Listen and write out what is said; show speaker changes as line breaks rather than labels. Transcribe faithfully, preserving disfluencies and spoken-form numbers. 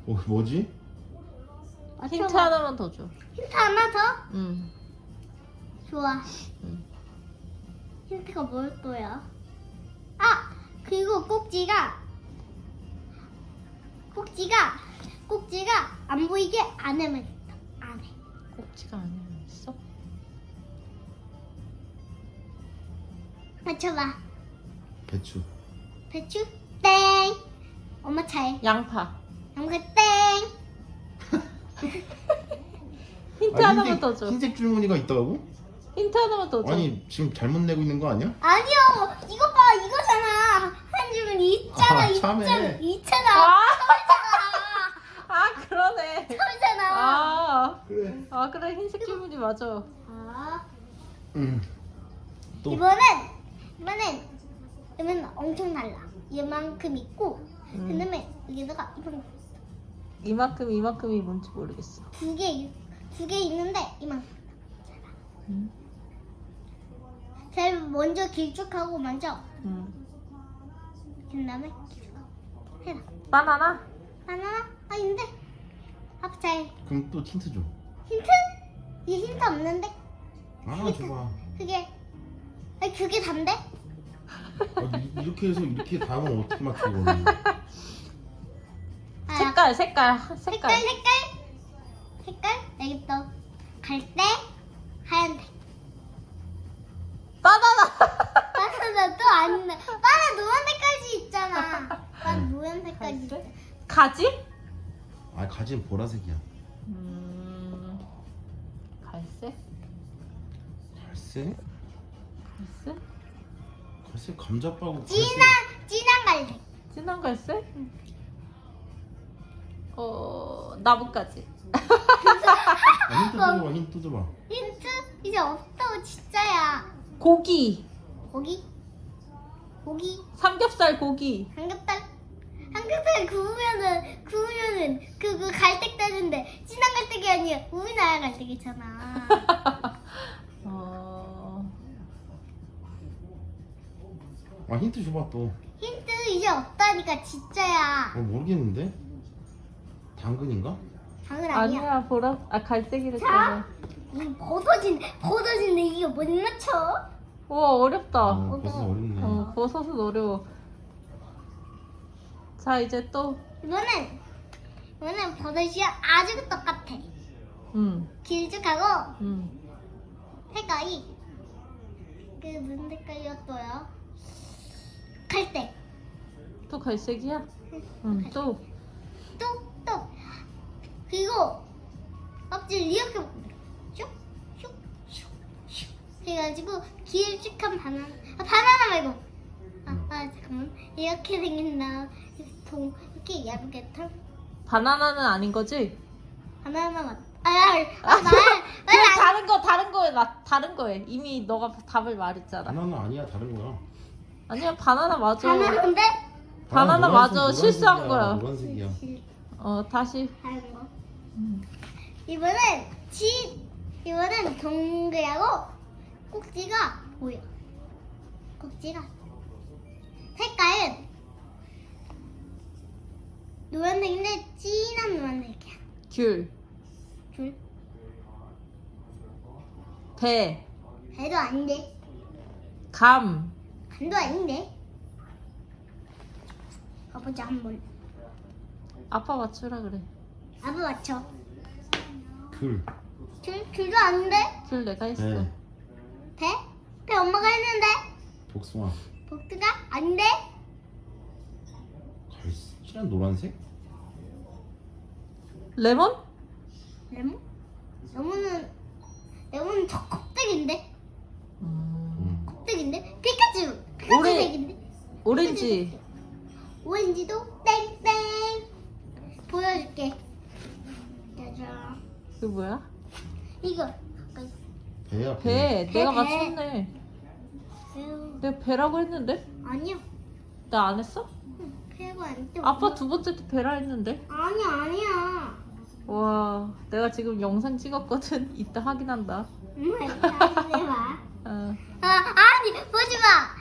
어, 뭐지?
힌트
맞춰봐.
하나만 더 줘.
힌트 하나 더?
응.
좋아.
응.
힌트가 뭘 거야? 아! 그리고 꼭지가 꼭지가 꼭지가 안 보이게 안에만 있다. 안에.
꼭지가 아니라 있어?
맞춰봐.
배추.
배추? 땡. 엄마 차례.
양파.
양파 땡.
힌트
아,
하나만
흰색,
더 줘.
흰색 줄무늬가 있다고?
힌트 하나만 더 줘.
아니 지금 잘못 내고 있는 거 아니야?
아니요. 이거 봐. 이거잖아. 한 줄은 있잖아.
아,
있잖아.
참해.
있잖아.
아,
있잖아.
아 그러네.
있잖아.
아,
그래.
아 그래 흰색 줄무늬 맞아.
아.
응. 또.
이번엔 이번엔 이번엔 엄청 달라. 이만큼 있고
음.
그다음에 여기다가 이만큼
이만큼 이만큼이 뭔지 모르겠어.
두개 두 개 있는데 이만큼.
응.
제일 먼저 길쭉하고 먼저
응.
그다음에 길쭉하고 해라.
바나나?
바나나 아닌데 합잘
그럼 또 힌트 줘.
힌트? 이 힌트 없는데
아 줘봐.
그게 아니 그게 단데?
아, 이- 이렇게 해서 이렇게 다음은 어떻게 맞춰 이거는?
아,
색깔 색깔
색깔
색깔.
색깔 색깔 여기 또 갈색 하얀색.
바나나.
바나나 또 아닌데 바나나 노란색까지 있잖아. 난 노란색까지 있잖아.
가지?
아 가지는 보라색이야.
음. 갈색?
갈색?
갈색?
갈색 감자빠고 갈색.
진한 진한 갈색.
진한 갈색? 어 나뭇가지.
아, 힌트 줘봐. 힌트 줘봐.
힌트 이제 없다고 진짜야.
고기.
고기 고기
삼겹살 고기.
삼겹살 삼겹살 구우면은 구우면은 그그 갈색 되는데 진한 갈색이 아니야. 우리나라 갈색이잖아.
어.
아 힌트 줘봐 또.
힌트 이제 없다니까 진짜야.
어 모르겠는데. 당근인가?
당연 아니야.
아니야 보라 아 갈색이랬잖아.
자, 이 벗어진 벗어진데 이게 못 맞춰?
우와 어렵다.
어, 벌써 어렵네.
어 버섯은 어려워. 자 이제 또.
이거는 이거는 버섯이 아주 똑같아.
음.
길쭉하고
음.
색깔이 그 무슨 색깔이었어요? 갈색.
또 갈색이야? 응. 또.
또 또 그리고 껍질 이렇게 슉슉슉슉 해가지고 길쭉한 바나나 아 바나나 말고 아, 아 잠깐만 이렇게 생긴다 동 이렇게 얇게 털
바나나는 아닌 거지?
바나나 맞 아말
그래 다른 거 다른 거에 나 다른 거에 이미 너가 답을 말했잖아.
바나나 아니야 다른 거야.
아니야 바나나 맞아.
바나나인데
바나나
노란색,
맞아. 실수한
노란색이야,
거야.
노란색이야.
어 다시.
다른 거
음.
이번엔 지 이번엔 동그랗고 꼭지가 보여. 꼭지가 색깔은 노란색인데 진한 노란색이야.
귤.
줄
배.
배도 아닌데
감.
간도 아닌데. 가보자 한번.
아빠 맞추라 그래.
아빠 맞춰.
귤.
줄 줄도 아닌데.
귤 내가 했어.
배.
배? 배 엄마가 했는데.
복숭아.
복두가 아닌데.
갈색이란 노란색?
레몬?
레몬? 레몬은 레몬은 저 껍데기인데.
음.
음.
껍데기인데? 피카츄! 피카츄
오레-
색인데?
오렌지.
오렌지도 땡땡! 보여줄게. 짜잔.
그게 뭐야?
이거 가까이.
배야
배.
배,
내가
배.
맞췄네.
에휴,
내가 배라고 했는데?
아니야.
나 안 했어?
응, 배가 아닌데.
아빠 두 번째 때 배라 했는데?
아니야 아니야.
와, 내가 지금 영상 찍었거든. 이따 확인한다.
엄마 이거 봐.
어.
아 아니 보지 마.